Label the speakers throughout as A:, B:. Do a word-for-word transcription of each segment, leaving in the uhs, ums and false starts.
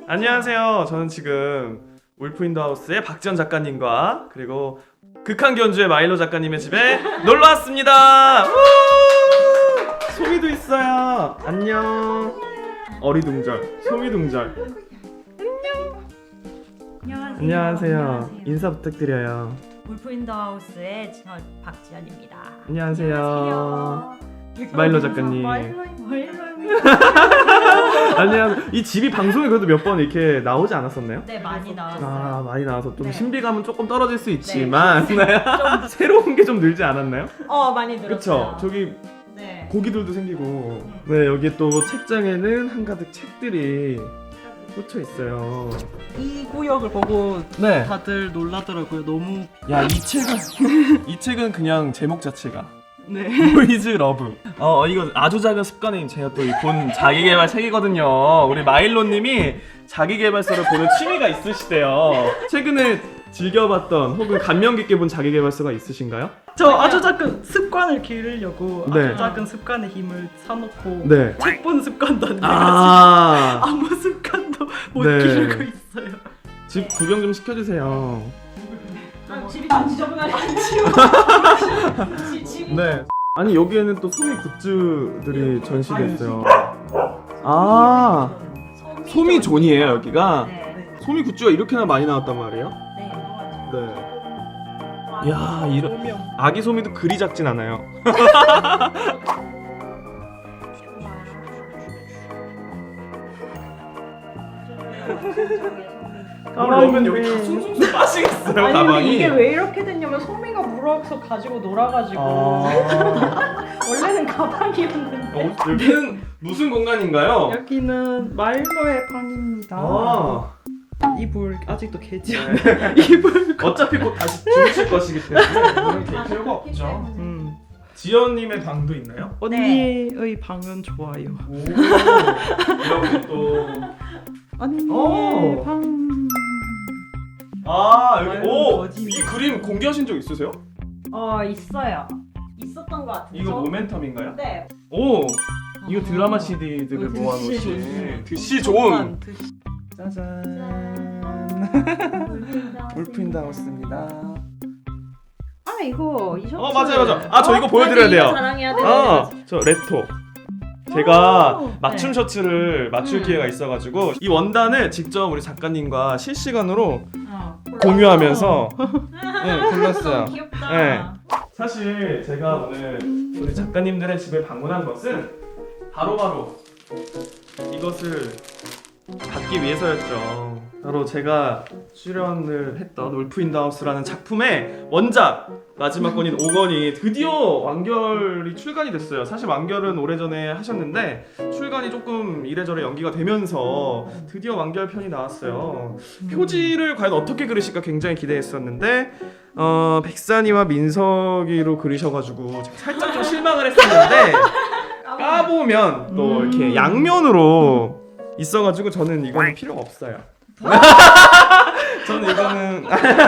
A: 안녕하세요. 저는 지금 울프 인더 하우스의 박지현 작가님과 그리고 극한 견주의 마일로 작가님의 집에 놀러 왔습니다. 소미도 있어요. 안녕. 어리둥절, 소미둥절.
B: 안녕하세요.
A: 안녕하세요. 인사 부탁드려요.
B: 울프 인더 하우스의 저 박지연입니다.
A: 안녕하세요. 마일로 작가님.
B: 마일로
A: 안녕. 이 집이 방송에 그래도 몇 번 이렇게 나오지 않았었나요?
B: 네, 많이 나왔어요.
A: 아, 많이 나와서 좀
B: 네.
A: 신비감은 조금 떨어질 수 있지만
B: 좀
A: 새로운 게 좀 늘지 않았나요?
B: 어, 많이 늘었어요.
A: 그쵸? 저기
B: 네.
A: 고기들도 생기고 네, 여기 또 책장에는 한가득 책들이 꽂혀 있어요.
C: 이 구역을 보고
A: 네.
C: 다들 놀라더라고요. 너무
A: 야, 이 책은 이 책은 그냥 제목 자체가
C: 네.
A: 보이즈 러브. 어, 이거 아주 작은 습관이 제가 또 본 자기계발 책이거든요. 우리 마일로님이 자기계발서를 보는 취미가 있으시대요. 최근에 즐겨봤던 혹은 감명 깊게 본 자기계발서가 있으신가요?
C: 저 아주 작은 습관을 기르려고
A: 네.
C: 아주 작은 습관의 힘을 사놓고
A: 네.
C: 책 보는 습관도 안 돼가지고
A: 아,
C: 아무 습관도 못
A: 네.
C: 기르고 있어요.
A: 집 구경 좀 시켜주세요.
B: 아, 집이 좀 지저분하게 안 치워. 집이
A: 네. 아니 여기에는 또 소미 굿즈들이 전시됐어요. 아, 소미 존이에요 여기가.
B: 네.
A: 소미 굿즈가 이렇게나 많이 나왔단 말이에요?
B: 네.
A: 네. 야, 이런 아기 소미도 그리 작진 않아요. 그러면 여기 다 숭숭숭 빠지겠어요
D: 아니
A: 가방이.
D: 근데 이게 왜 이렇게 됐냐면 소미가 물어서 가지고 놀아가지고
A: 아.
D: 원래는 가방이었는데
A: 어, 여기는 무슨 공간인가요?
C: 여기는 마일로의 방입니다.
A: 아.
C: 이불 아직도 개지
A: 네.
C: 않아요. 이불.
A: 어차피 곧 다시 주무실 것이기 때문에 이거는 될 필요가 없죠.
C: 음.
A: 지연님의 방도 있나요?
C: 언니의 방은 좋아요.
A: 오, 이렇게 또.
C: 언니의
A: 오.
C: 방.
A: 아, 여기,
C: 아유,
A: 오!
C: 거짓말.
A: 이 그림 공개하신 적 있으세요?
B: 어, 있어요. 있었던 것 같은데.
A: 이거
B: 저-
A: 모멘텀인가요?
B: 네.
A: 오! 이거 드라마 씨디들을
C: 어,
A: 모아놓으신
C: 드시
A: 드시 존!
C: 드시.
A: 짜잔. 울프 인더 하우스입니다.
D: 아 이거 이 셔츠
A: 어, 맞아요, 맞아요. 아, 저 이거 보여드려야 돼요.
B: 자랑해야 되는
A: 아, 저 레토. 제가
C: 오,
A: 맞춤
B: 네.
A: 셔츠를 맞출
B: 음.
A: 기회가 있어가지고 이 원단을 직접 우리 작가님과 실시간으로
B: 어.
A: 공유하면서 네, 골랐어요.
B: 귀엽다.
A: 네. 사실 제가 오늘 우리 작가님들의 집에 방문한 것은 바로바로 이것을 받기 위해서였죠. 바로 제가 출연을 했던 울프 인더 하우스라는 작품의 원작 마지막 권인 오 권이 드디어 완결이 출간이 됐어요. 사실 완결은 오래전에 하셨는데 출간이 조금 이래저래 연기가 되면서 드디어 완결편이 나왔어요. 표지를 과연 어떻게 그리실까 굉장히 기대했었는데 어, 백산이와 민석이로 그리셔가지고 제가 살짝 좀 실망을 했었는데 까보면 또 이렇게 양면으로 있어가지고 저는 이거는 필요가 없어요. 저는 이거는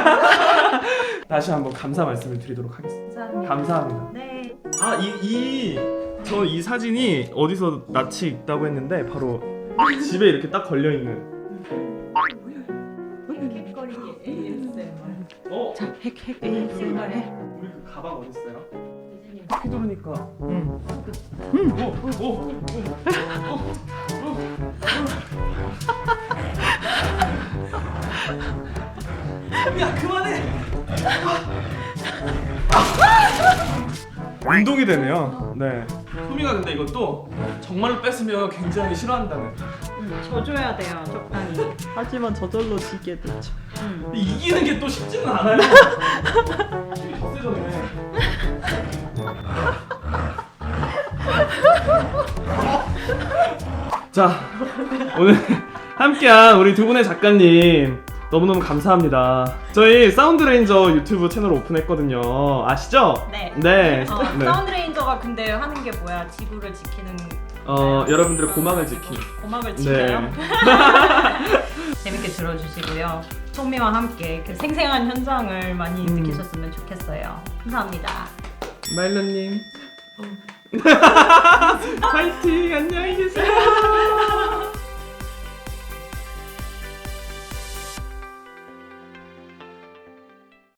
A: 다시 한번 감사 말씀을 드리도록 하겠습니다.
B: 감사합니다.
A: 감사합니다.
B: 네.
A: 아, 이, 이, 저 이 사진이 어디서 낯이 있다고 했는데 바로 집에 이렇게 딱 걸려있는
B: 킥거리기 에이에스엠알.
A: 어?
C: 핵핵 에이에스엠알에.
A: 우리 그 가방 어딨어요?
B: 유진님.
A: 휘두르니까
C: 응.
A: 오! 오! 오! 야, 그만해! 운동이 되네요. 네. 소미가 근데 이것도 정말로 뺐으면 굉장히 싫어한다는.
D: 져줘야 돼요 적당히.
C: 하지만 저절로 지게 되죠.
A: 근데 이기는 게 또 쉽지는 않아요. 힘이 더 세졌네. 자, 오늘 함께한 우리 두 분의 작가님 너무너무 감사합니다. 저희 사운드레인저 유튜브 채널 오픈했거든요. 아시죠?
B: 네.
A: 네.
B: 어,
A: 네.
B: 사운드레인저가 근데 하는 게 뭐야? 지구를 지키는
A: 어, 여러분들의 고막을 지키는.
B: 고막을
A: 네.
B: 지켜요. 재밌게 들어주시고요. 소미와 함께 그 생생한 현장을 많이
A: 음.
B: 느끼셨으면 좋겠어요. 감사합니다.
A: 마일로님. 파이팅!